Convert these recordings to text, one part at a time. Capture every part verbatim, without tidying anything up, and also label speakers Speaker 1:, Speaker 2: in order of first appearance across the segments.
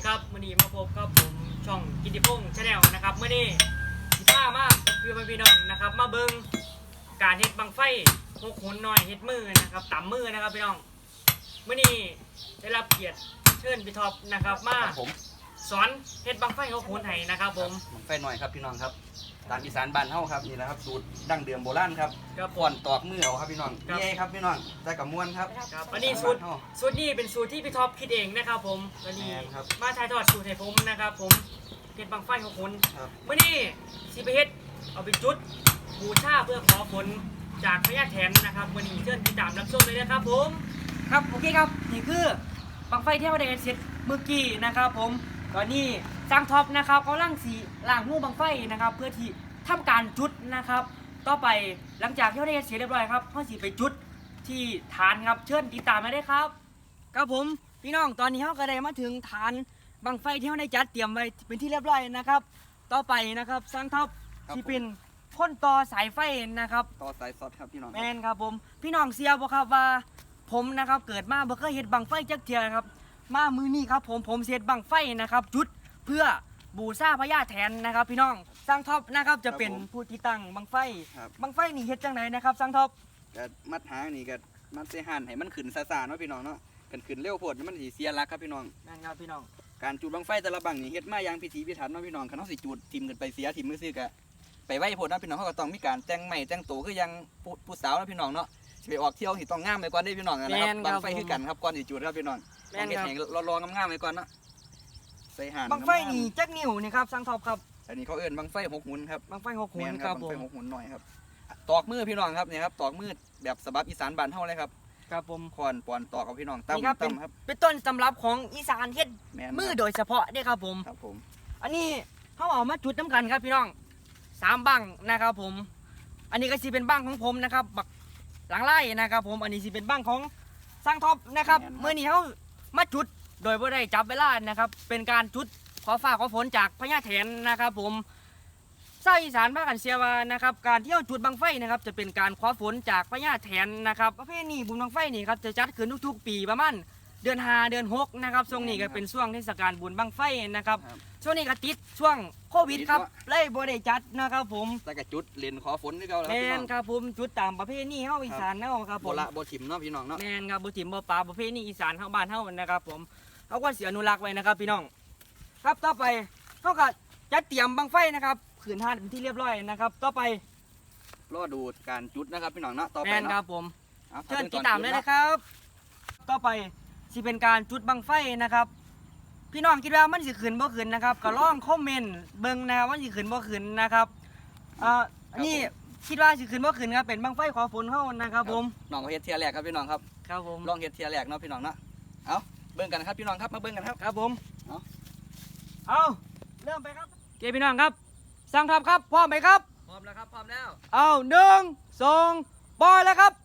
Speaker 1: ครับมื่อนี้มาพบกับผมช่องกิติพงษ์ชาแนลนะครับมื่อนี้สิบ้ามากคือพี่น้องนะครับมาเบิ้งการเฮ็ดบังไฟหกหุนหน่อยเฮ็ดมือนะครับต่ำมือนะครับพี่น้องมื่อนี้ได้รับเกียรติเชิญพี่ท็อปนะครับมาสอนเฮ็ดบังไฟหกหุนให้นะครับผม
Speaker 2: บังไฟหน่อยครับพี่น้องครับตามอีสานบ้านเฮาครับนี่แหละครับสูตรดั้งเดิมโบราณครับก่อนตอกมือเอาครับพี่น้องนี่ครับพี่น้องได้กับม้วนครับ
Speaker 1: อันนี้สูตรสูตรนี้เป็นสูตรที่พี่ท็อปคิดเองนะครับผมอันนี้มาถ่ายทอดสูตรให้ผมนะครับผมเฮ็ดบังไฟหกหุนเมื่อนี้สิไปเฮ็ดเอาไปจุดบูชาเพื่อขอผลจากพญาแถนนะครับมื่อนี้เชิญติดตามรับชมเลยนะครับผมครับโอเคครับนี่คือบังไฟที่เราได้เสร็จเมื่อกี้นะครับผมตอนนี้สร้างท็อปนะครับเขาล่างสีล่างหูบังไฟนะครับเพื่อที่ทำการจุดนะครับต่อไปหลังจากที่เราได้เสร็จเรียบร้อยครับเขาสีไปจุดที่ฐานครับเชิญติดตามมาได้ครับครับผมพี่น้องตอนนี้เขาก็ได้มาถึงฐานบังไฟที่เราได้จัดเตรียมไว้เป็นที่เรียบร้อยนะครับต่อไปนะครับสร้างท็อปที่เป็นพ่นต่อสายไฟนะครับ
Speaker 2: ต่อสายซอสครับพี่น้อง
Speaker 1: แมนครับผมพี่น้องเสียบ่ครับว่าผมนะครับเกิดมาบ่เคยเห็นบังไฟจักเทียครับมามือนี้ครับผมผมเสียดบังไฟนะครับจุดเพื่อบูชาพญาแถนนะครับพี่น้องสร้างท็อปนะครับจะเป็นผู้ที่ตั้งบังไฟบังไฟนี่เฮ็ดจังไหนนะครับสร้างท็อป
Speaker 2: ก็มัดหางนี่ก็มัดเสหันให้มันขึ้นซาๆเนาะพี่น้องเนาะกันขึ้นเร็วโพดมันสิเสียหลักครับพี่น้อง
Speaker 1: นั่นครับพี่น้อง
Speaker 2: การจุดบังไฟแต่ละบังนี่เฮ็ดมาอย่างพิถีพิถันเนาะพี่น้องคันเฮาสิจุดทิ่มกันไปเสียทิ่มมือซื้อก็ไปไว้โพดเนาะพี่น้องเขาก็ต้องมีการแต่งใหม่แต่งตัวคือยังผู้สาวเนาะพี่น้องเนาะสิไปออกเที่ยวสิต้องงามไปก่อนได้พี่น้องนะครับบังไฟคือกันครับก่อนสิจุดครับพี่น้องแม่นครับรอๆงามๆไปก่อนเนาะใส่ห่าน
Speaker 1: บังไฟนี่จักนิ้วนี่ครับสร้างท็อปครับ
Speaker 2: อันนี้เขาเอิ้นบังไฟหกหุนครับ
Speaker 1: บังไฟหกหุนครับผม
Speaker 2: บังไฟหกหุนหน่อยครับตอกมือพี่น้องครับเนี่ยครับตอกมือแบบฉบับอีสานบ้านเฮาเลยครับ
Speaker 1: ครับผม
Speaker 2: คอนปอนตอกกับพี่น้องตั้มตั้มครับ
Speaker 1: เป็นต้นตำรับของอีสานเฮ็ดมือโดยเฉพาะเด้ครับผม
Speaker 2: ครับผม
Speaker 1: อันนี้เขาเอามาจุดน้ำกันครับพี่น้องสามบังนะครับผมอันนี้ก็สิเป็นบังของผมนะครับบักหลังไล่นะครับผมอันนี้สิเป็นบังของสร้างท็อปนะครับเมื่อนี้เขามาจุดโดยไม่ได้จับเวลานะครับเป็นการจุดขอฟ้าขอฝนจากพญาแถนนะครับผมชาวอีสานภาคกันเสียว่านะครับการเที่ยวจุดบังไฟนะครับจะเป็นการขอฝนจากพญาแถนนะครับประเพณีบุญบังไฟนี่ครับจะจัดขึ้นทุกๆปีประมาณเดือนห้าเดือนหกนะครับช่วงนี้ก็เป็นช่วงเทศกาลบุญบังไฟนะครับช่วงนี้ก็ติดช่วงโควิดครับเลยบ่ได้จัดนะครับผม
Speaker 2: แต่ก็จุดเล่นขอฝนที่เก่าแล้ว
Speaker 1: แม่นครับผมจุดตามประเพณีเฮาอีสานเฮาครับผม
Speaker 2: บ่ละบ่ถิ่มเนาะพี่น้องเนาะ
Speaker 1: แม่นครับบ่ถิ่มบ่ปลาประเพณีอีสานเฮาบ้านเฮานะครับผมเฮาก็สิอนุรักษ์ไว้นะครับพี่น้องครับต่อไปเฮาก็จัดเตรียมบังไฟนะครับขืนทานเป็นที่เรียบร้อยนะครับต่อไป
Speaker 2: รอดูการจุดนะครับพี่น้องเนาะต่อไป
Speaker 1: เนาะแม่นครับผมเชิญติดตามเลยนะครับต่อไปสิเป็นการจุดบังไฟนะครับพี่น้องคิดว่ามันสิขึ้นบ่ขึ้นนะครับก็ลองคอมเมนต์เบิ่งนะครับว่าสิขึ้นบ่ขึ้นนะครับอ่าอันนี้คิดว่าสิขึ้นบ่ขึ้นครับเป็นบังไฟขอฝนเฮานะครับผม
Speaker 2: น้องเฮ็ดเทียแรกครับพี่น้องครับ
Speaker 1: ครับผม
Speaker 2: ลองเฮ็ดเทียแรกเนาะพี่น้องเนาะเอาเบิ่งกันครับพี่น้องครับมาเบิ่งกันครับ
Speaker 1: ครับผมเอาเอาเริ่มไปครับเกพี่น้องครับสร้างทัพครับพร้อมไหมครับ
Speaker 2: พร้อมแล้วครับพร้อมแล้ว
Speaker 1: เอาหนึ่งสองปล่อยแล้วครับ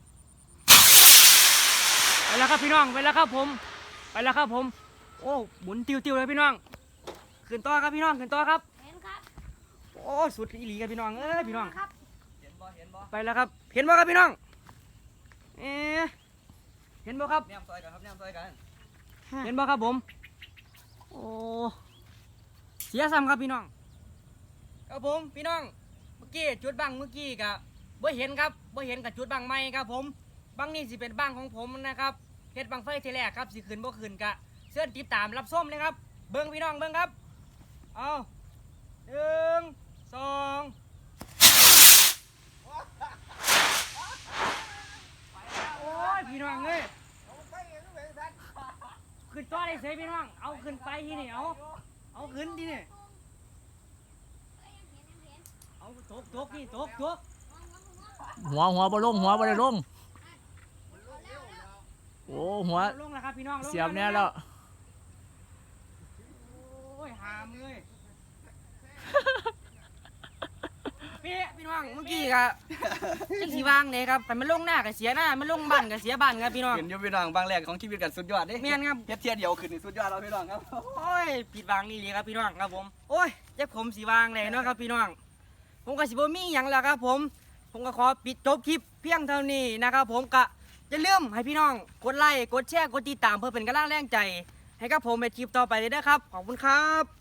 Speaker 1: ไปแล้วครับพี่น้องไปแล้วครับผมไปแล้วครับผมโอ้หมุนติวๆเลยพี่น้องขึ้นต่อครับพี่น้องขึ้นต่อครับ
Speaker 3: เห็นครับ
Speaker 1: โอ้สุดอีหลีครับพี่น้องเอ้ยพี่น้อง
Speaker 3: ครับ
Speaker 2: เห็นบ่เห็นบ่
Speaker 1: ไปแล้วครับเห็นบ่ครับพี่น้องเอ๊ะเห็นบ่ครับ
Speaker 2: แนมซอยกันครับแนมซอยกัน
Speaker 1: เห็นบ่ครับผมโอ้เสียซ้ำครับพี่น้องครับผมพี่น้องเมื่อกี้จุดบังเมื่อกี้กับบ่เห็นครับบ่เห็นกับจุดบังใหม่ครับผมบังนี่สิเป็นบังของผมนะครับเฮ็ดบังไฟทีแรกครับสิขึ้นบ่ขึ้นกะเชิญติดตามรับส้มเลยครับเบิ้งพี่น้องเบิ้งครับเอาหนึ่งสองโอ้ยพี่น้องเอ้ยขึ้นต่อได้เสียพี่น้องเอาขึ้นไปที่นี่เอาเอาขึ้นที่นี่เอาตกตกนี่ตกตก
Speaker 4: หัวหัวบอลลงหัวบอลลงโอ้หัว
Speaker 1: ลงแล้วครับพี่น้อง
Speaker 4: เสียบเนี่ยแล้ว
Speaker 1: โอ้ยหามเลยพี่พี่น้องเมื่อกี้ครับจังสีวางเลยครับแต่มันลงหน้ากับเสียหน้ามันลงบ้านกับเสียบ้านครับพี่น้อง
Speaker 2: เห็นอยู่พี่น้องบางแรกของชีวิตกันสุดยอดเด้
Speaker 1: เมียนครับ
Speaker 2: เฮ็ดเทียเดียวขึ้นสุดยอดแล้วพี่น้องครับ
Speaker 1: โอ้ยผิดวางนี่เลยครับพี่น้องครับผมโอ้ยเจ็บผมสีวางเลยเนาะครับพี่น้องผมกับสิบมีอย่างแล้วครับผมผมก็ขอปิดจบคลิปเพียงเท่านี้นะครับผมกะอย่าลืมให้พี่น้องกดไลค์กดแชร์กดติดตามเพื่อเป็นกำลังแรงใจให้กับผมในคลิปต่อไปเลยนะครับขอบคุณครับ